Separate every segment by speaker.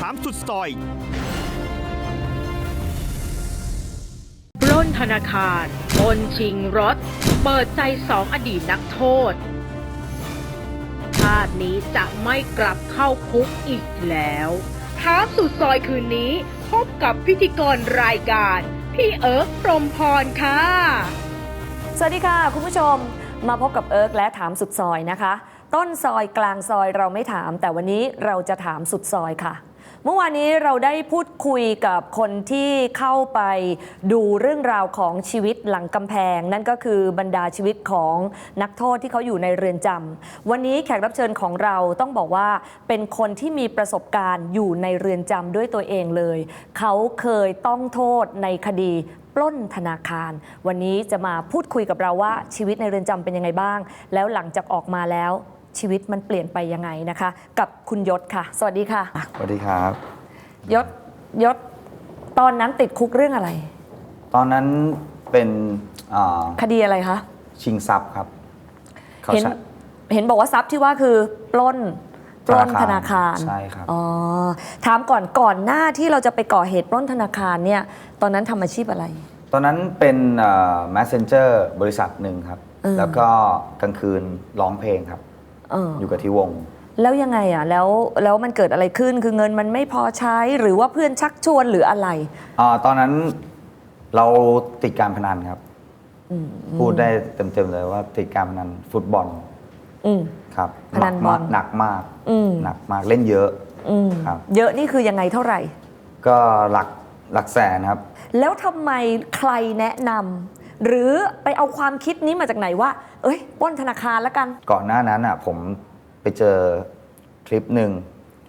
Speaker 1: ามสุดซอย
Speaker 2: ปล้นธนาคารปล้นชิงรถเปิดใจ2 อดีตนักโทษชาตินี้จะไม่กลับเข้าคุกอีกแล้วถามสุดซอยคืนนี้พบกับพิธีกรรายการพี่เอิร์กพรหมพรค่ะ
Speaker 3: สวัสดีค่ะคุณผู้ชมมาพบกับเอิร์กและถามสุดซอยนะคะต้นซอยกลางซอยเราไม่ถามแต่วันนี้เราจะถามสุดซอยค่ะเมื่อวานนี้เราได้พูดคุยกับคนที่เข้าไปดูเรื่องราวของชีวิตหลังกำแพงนั่นก็คือบรรดาชีวิตของนักโทษที่เขาอยู่ในเรือนจำวันนี้แขกรับเชิญของเราต้องบอกว่าเป็นคนที่มีประสบการณ์อยู่ในเรือนจำด้วยตัวเองเลยเขาเคยต้องโทษในคดีปล้นธนาคารวันนี้จะมาพูดคุยกับเราว่าชีวิตในเรือนจำเป็นยังไงบ้างแล้วหลังจากออกมาแล้วชีวิตมันเปลี่ยนไปยังไงนะคะกับคุณยศค่ะสวัสดีค่ะ
Speaker 4: สวัสดีครับ
Speaker 3: ยศตอนนั้นติดคุกเรื่องอะไร
Speaker 4: ตอนนั้นเป็น
Speaker 3: คดีอะไรคะ
Speaker 4: ชิงทรัพย์ครับ
Speaker 3: เห็นบอกว่าทรัพย์ที่ว่าคือปล้นธนาคาร
Speaker 4: ใช่ครับ
Speaker 3: อ๋อถามก่อนหน้าที่เราจะไปก่อเหตุปล้นธนาคารเนี่ยตอนนั้นทำอาชีพอะไร
Speaker 4: ตอนนั้นเป็นmessenger บริษัทหนึ่งครับแล้วก็กลางคืนร้องเพลงครับอยู่กับที่วง
Speaker 3: แล้วยังไงอ่ะแล้วมันเกิดอะไรขึ้นคือเงินมันไม่พอใช้หรือว่าเพื่อนชักชวนหรืออะไร
Speaker 4: ตอนนั้นเราติดการพนันครับพูดได้เต็มๆเลยว่าติดการพนันฟุตบอลครับ
Speaker 3: พนันบอล
Speaker 4: หนักมากเล่นเยอะ
Speaker 3: ครับเยอะนี่คือยังไงเท่าไหร่
Speaker 4: ก็หลักแสนครับ
Speaker 3: แล้วทำไมใครแนะนำหรือไปเอาความคิดนี้มาจากไหนว่าเอ้ยปล้นธนาคารแล้วกัน
Speaker 4: ก่อนหน้านั้นอ่ะผมไปเจอคลิปหนึ่ง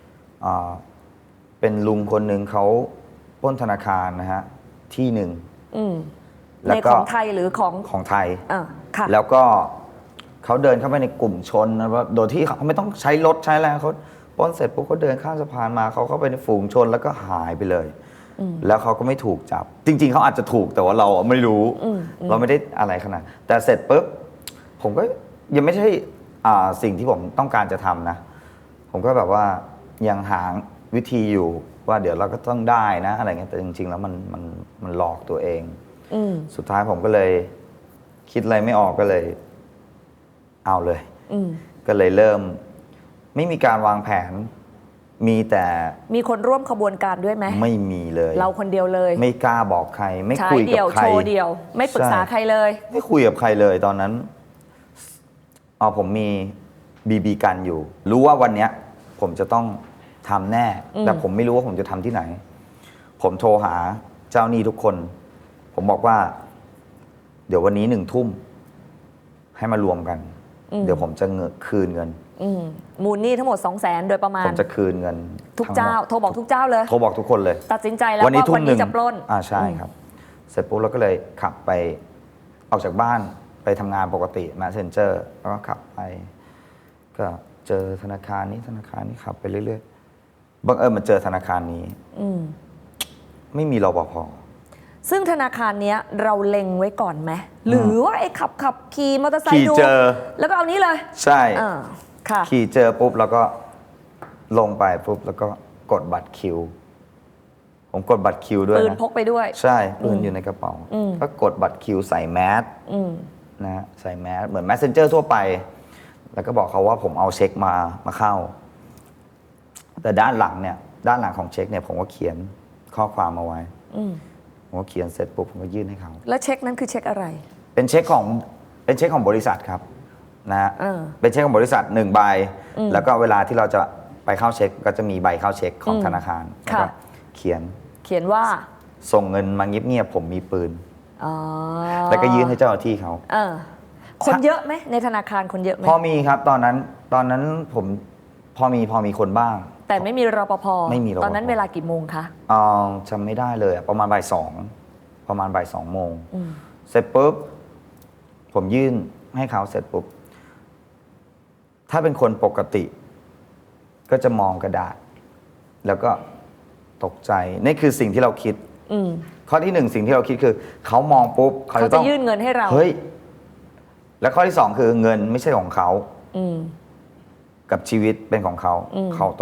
Speaker 4: เป็นลุงคนหนึ่งเขาปล้นธนาคารนะฮะที่หนึ่ง
Speaker 3: ในของไทยหรือ
Speaker 4: ของไทยแล้วก็เขาเดินเข้าไปในกลุ่มชนนะว่าโดยที่เขาไม่ต้องใช้รถใช้อะไรเขาปล้นเสร็จปุ๊บเขาเดินข้ามสะพานมาเขาเข้าไปในฝูงชนแล้วก็หายไปเลยแล้วเขาก็ไม่ถูกจับจริงๆเขาอาจจะถูกแต่ว่าเราไม่รู้เราไม่ได้อะไรขนาดแต่เสร็จปุ๊บผมก็ยังไม่ใช่สิ่งที่ผมต้องการจะทำนะผมก็แบบว่ายังหาวิธีอยู่ว่าเดี๋ยวเราก็ต้องได้นะอะไรเงี้ยแต่จริงๆแล้วมันหลอกตัวเองสุดท้ายผมก็เลยคิดอะไรไม่ออกก็เลยเอาเลยก็เลยเริ่มไม่มีการวางแผนมีแต่
Speaker 3: มีคนร่วมขบวนการด้วยไหม
Speaker 4: ไม่มีเลย
Speaker 3: เราคนเดียวเลย
Speaker 4: ไม่กล้าบอกใครไม่คุยกับใคร
Speaker 3: โชว์เดียวไม่ปรึกษาใครเลย
Speaker 4: ไม่คุยกับใครเลยตอนนั้นผมมีบีกันอยู่รู้ว่าวันเนี้ยผมจะต้องทำแน่แต่ผมไม่รู้ว่าผมจะทำที่ไหนผมโทรหาเจ้าหนี้ทุกคนผมบอกว่าเดี๋ยววันนี้1 ทุ่มให้มารวมกันเดี๋ยวผมจะคืนเงิน
Speaker 3: มูลหนี้ทั้งหมด 200,000 โดยประมาณ
Speaker 4: ผมจะคืนเงิน
Speaker 3: ทุกเจ้าโทรบอกทุกเจ้าเลย
Speaker 4: โทรบอกทุกคนเลย
Speaker 3: ตัดสินใจแล้วว่าวันนี้จะปล้น
Speaker 4: ใช่ครับเสร็จปุ๊บเราก็เลยขับไปออกจากบ้านไปทำงานปกติ messenger แล้วก็ขับไปก็เจอธนาคารนี้ขับไปเรื่อยๆบังเอิญมาเจอธนาคารนี้ไม่มีรปภ.
Speaker 3: ซึ่งธนาคารนี้เราเล็งไว้ก่อนไหมหรือว่าไอ้ขับขี่มอเตอร์ไซค์ดูแล้วก็เอานี้เลย
Speaker 4: ใช่ขี่เจอปุ๊บแล้วก็ลงไปปุ๊บแล้วก็กดบัตรคิวผมกดบัตรคิวด้วยนะ
Speaker 3: ปืนพกไปด้วย
Speaker 4: ใช่ปืนอยู่ในกระเป๋าก็กดบัตรคิวใส่แมสนะใส่แมสเหมือน messenger ทั่วไปแล้วก็บอกเขาว่าผมเอาเช็คมาเข้าแต่ด้านหลังของเช็คเนี่ยผมก็เขียนข้อความเอาไว้ผมก็เขียนเสร็จปุ๊บผมก็ยื่นให้เขา
Speaker 3: แล้วเช็คนั้นคือเช็คอะไร
Speaker 4: เป็นเช็คของบริษัทครับนะเป็นเช็คของบริษัท1 ใบแล้วก็เวลาที่เราจะไปเข้าเช็คก็จะมีใบเข้าเช็คของธนาคารแล้วก็เขียน
Speaker 3: ว่า
Speaker 4: ส่งเงินมาเงียบๆผมมีปืนแล้วก็ยื่นให้เจ้าหน้าที่เขา
Speaker 3: คนเยอะไหมในธนาคารคนเยอะไหม
Speaker 4: พอมีครับตอนนั้นผมพอมีคนบ้าง
Speaker 3: แต่ไม่มีรปภ.
Speaker 4: ไม่มีรปภ.
Speaker 3: ตอนนั้นเวลากี่โมงคะ
Speaker 4: จำไม่ได้เลยประมาณบ่าย 2ประมาณบ่าย 2 โมงเสร็จปุ๊บผมยื่นให้เขาเสร็จปุ๊บถ้าเป็นคนปกติก็จะมองกระดาษแล้วก็ตกใจนี่คือสิ่งที่เราคิดข้อที่ 1สิ่งที่เราคิดคือเขามองปุ๊บ
Speaker 3: เขาจะยื่นเงินให้เรา
Speaker 4: เฮ้ยและข้อที่ 2คือเงินไม่ใช่ของเขากับชีวิตเป็นของเขาเขาต้อง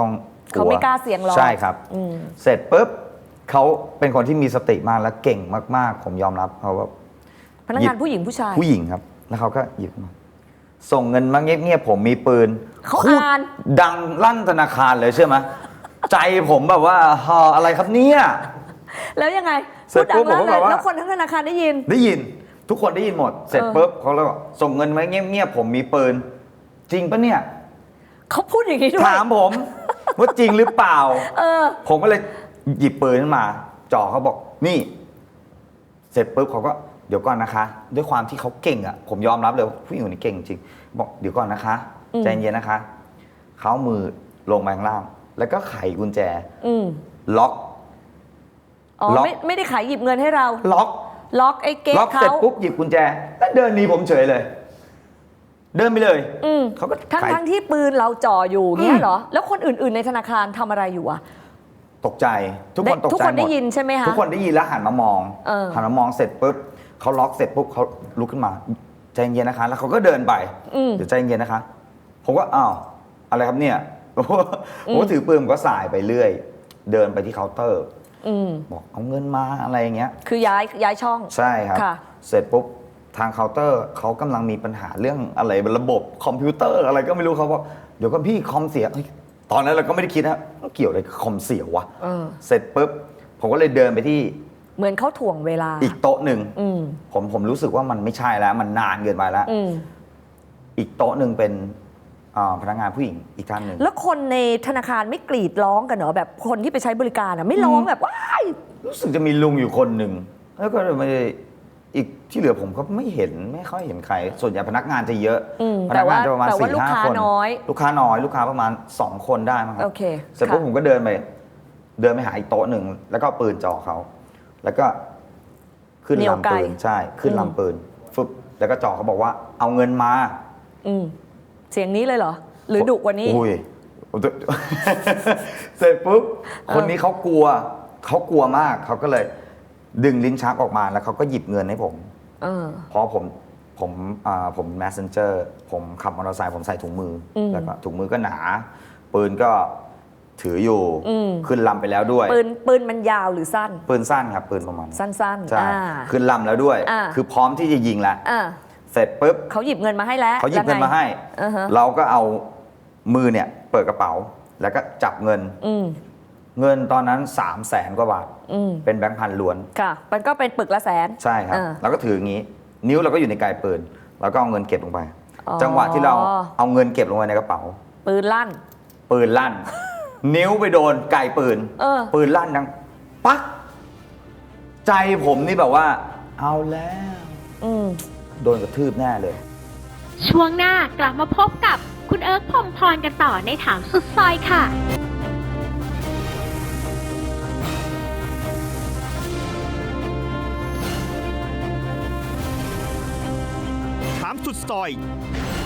Speaker 3: เขาไม่กล้าเสี่ยงหรอก
Speaker 4: ใช่ครับ
Speaker 3: อืม
Speaker 4: เสร็จปุ๊บเขาเป็นคนที่มีสติมากและเก่งมากๆ ผมยอมรับเขาว่า
Speaker 3: พนักงานผู้หญิงผู้ชาย
Speaker 4: ผู้หญิงครับ แล้วเขาก็หยิบมาส่งเงินมาเงียบๆผมมีปืน
Speaker 3: เขา
Speaker 4: พูด
Speaker 3: อ่าน
Speaker 4: ดังลั่นธนาคารเลยใช่ไหมใจผมแบบว่าอะไรครับเนี่ย
Speaker 3: แล้วยังไง
Speaker 4: เสร็
Speaker 3: พู
Speaker 4: จ
Speaker 3: ดดั
Speaker 4: ปุ๊
Speaker 3: ง
Speaker 4: บผม
Speaker 3: แล้ว
Speaker 4: ก็
Speaker 3: เล
Speaker 4: แบบ
Speaker 3: ย
Speaker 4: ว่า
Speaker 3: แล้วคนทั้งธนาคารได้ยิน
Speaker 4: ได้ยินทุกคนได้ยินหมด เสร็จปุ๊บเขาแล้วก็ส่งเงินมาเงียบๆผมมีปืน จริงปะเนี่ย
Speaker 3: เขาพูดอย่างนี้ด้วย
Speaker 4: ถามผมว่าจริงหรือเปล่า
Speaker 3: เออ
Speaker 4: ผมก็เลยหยิบปืนขึ้นมาจ่อเขาบอกนี่ เสร็จปุ๊บเขาก็เดี๋ยวก่อนนะคะ ด้วยความที่เขาเก่งอ่ะผมยอมรับเลยว่าผู้หญิงคนนี้เก่งจริงบอกเดี๋ยวก่อนนะคะ
Speaker 3: อืม
Speaker 4: ใจเย็นนะคะเขาเอามือลงมาข้างล่าง แล้วก็ไขกุญแจ
Speaker 3: อืม
Speaker 4: ล็อก
Speaker 3: อ๋อ
Speaker 4: ล็อก
Speaker 3: ไม่ได้ขายหยิบเงินให้เรา
Speaker 4: ล็อก
Speaker 3: ล็อกไอ้เก๊ก
Speaker 4: ล็อกเส
Speaker 3: เขา
Speaker 4: ร็จปุ๊บหยิบกุญแจแล้วเดินหนีผมเฉยเลย เดินไปเลย
Speaker 3: อืม
Speaker 4: เขาก็
Speaker 3: ทั้ง
Speaker 4: ไข
Speaker 3: ทั้งที่ปืนเราจ่ออยู่เงี้ยเหรอ แล้วคนอื่นๆในธนาคารทำอะไรอยู่อะ
Speaker 4: ตกใจ ทุกคนตกใจหมด
Speaker 3: ทุกคนได้ยินใช่ไหมคะ
Speaker 4: ทุกคนได้ยินแล้วหันมามอง
Speaker 3: เออ
Speaker 4: หันมามองเสร็จปุ๊บเขาล็อกเสร็จปุ๊บเขาลุกขึ้นมาใจเย็นนะคะ แล้วเขาก็เดินไป
Speaker 3: อืม
Speaker 4: เดี๋ยวใจเย็นนะคะ ผมก็อ้าวอะไรครับเนี่ย ผมก็ถือปืนผมก็สายไปเรื่อย เดินไปที่เคาน์เตอร์
Speaker 3: อืม
Speaker 4: บอกเอาเงินมาอะไรอย่างเงี้ย
Speaker 3: คือย้ายช่อง
Speaker 4: ใช่ครับ
Speaker 3: ค่ะ
Speaker 4: เสร็จปุ๊บทางเคาน์เตอร์เขากำลังมีปัญหาเรื่องอะไรระบบคอมพิวเตอร์อะไรก็ไม่รู้เขาบอกเดี๋ยวก็พี่คอมเสียเฮ้ยตอนนั้นเราก็ไม่ได้คิดนะเกี่ยวอะไรกับคอมเสียวะ
Speaker 3: เออ
Speaker 4: เสร็จปุ๊บผมก็เลยเดินไปที่
Speaker 3: เหมือนเขาถ่วงเวลา
Speaker 4: อีกโต๊ะหนึ่ง
Speaker 3: อืม
Speaker 4: ผมรู้สึกว่ามันไม่ใช่แล้ว มันนานเกินไปแล้ว
Speaker 3: อืม
Speaker 4: อีกโต๊ะหนึ่งเป็นพนักงานผู้หญิงอีกท่านหนึ่ง
Speaker 3: แล้วคนในธนาคารไม่กรีดร้องกันเหรอแบบคนที่ไปใช้บริการอะไม่ร้องแบบว้าย
Speaker 4: รู้สึกจะมีลุงอยู่คนหนึ่งแล้วก็ไม่ได้อีกที่เหลือผมก็ไม่เห็นไม่ค่อยเห็นใคร ส่วนใหญ่พนักงานจะเยอะ พนักงานจะประมาณ
Speaker 3: แต่ว่า
Speaker 4: 4-5
Speaker 3: ลูกค้า
Speaker 4: คน
Speaker 3: น้อย
Speaker 4: ลูกค้าน้อยลูกค้าประมาณ2 คนได้มั้งครั
Speaker 3: โอเค
Speaker 4: เสร็จปุ๊บ
Speaker 3: ค่ะ
Speaker 4: ผมก็เดินไปหาอีกโต๊ะหนึ่งแล้วก็เอาปืนจ่อเขาแล้วก็ขึ้น
Speaker 3: เหนี่ยว
Speaker 4: ลำ
Speaker 3: ไก
Speaker 4: ปืนใช่ขึ้นลำปืนฟึบแล้วก็จ่อเขาบอกว่าเอาเงินมา
Speaker 3: อืมเสียงนี้เลยเหรอ หรือดุกว่านี้
Speaker 4: อุ้ย เสร็จปุ๊บ คนนี้เขากลัวมากเขาก็เลยดึงลิ้นชักออกมาแล้วเขาก็หยิบเงินให้ผม
Speaker 3: เออ
Speaker 4: เพราะผม messenger ผมขับมอเตอร์ไซค์ผมใส่ถุงมืออ
Speaker 3: ม
Speaker 4: แล้วก็ถุงมือก็หนา ปืนก็ถืออยู่
Speaker 3: อืม
Speaker 4: ขึ้นลำไปแล้วด้วย
Speaker 3: ปืนมันยาวหรือสั้น
Speaker 4: ปืนสั้นครับปืนประมาณ
Speaker 3: สั้นๆ
Speaker 4: ใช่
Speaker 3: อ่า
Speaker 4: ขึ้นลำแล้วด้วย
Speaker 3: อ่า
Speaker 4: คือพร้อมที่จะยิงแล้ว
Speaker 3: อ่า
Speaker 4: เสร็จปุ๊บ
Speaker 3: เขาหยิบเงินมาให้แล้ว
Speaker 4: เขาหยิบเงินมาให้
Speaker 3: อือฮะ
Speaker 4: เราก็เอามือเนี่ยเปิดกระเป๋า แล้วก็จับเงิน
Speaker 3: อืม
Speaker 4: เงินตอนนั้น 300,000 กว่าบาท
Speaker 3: อืม
Speaker 4: เป็นแบงค์พันล้วน
Speaker 3: ค่ะ มันก็เป็นปึกละแสน
Speaker 4: ใช่ครับ
Speaker 3: อ่า
Speaker 4: เราก็ถืออย่างนี้ นิ้วเราก็อยู่ในไกลปืนแล้วก็เอาเงินเก็บลงไป
Speaker 3: อ๋อ
Speaker 4: จังหวะที่เราเอาเงินเก็บลงไปในกระเป๋า
Speaker 3: ปืนลั่น
Speaker 4: ปืนลั่น นิ้วไปโดนไกลปืน
Speaker 3: เออ
Speaker 4: ปืนลั่นดังปักใจผมนี่แบบว่า เอาแล้ว
Speaker 3: อืม
Speaker 4: โดนกระทืบแน่เลย
Speaker 1: ช่วงหน้ากลับมาพบกับคุณเอิร์กพงษ์พรกันต่อในถามสุดซอยค่ะ
Speaker 5: ถามสุดซอย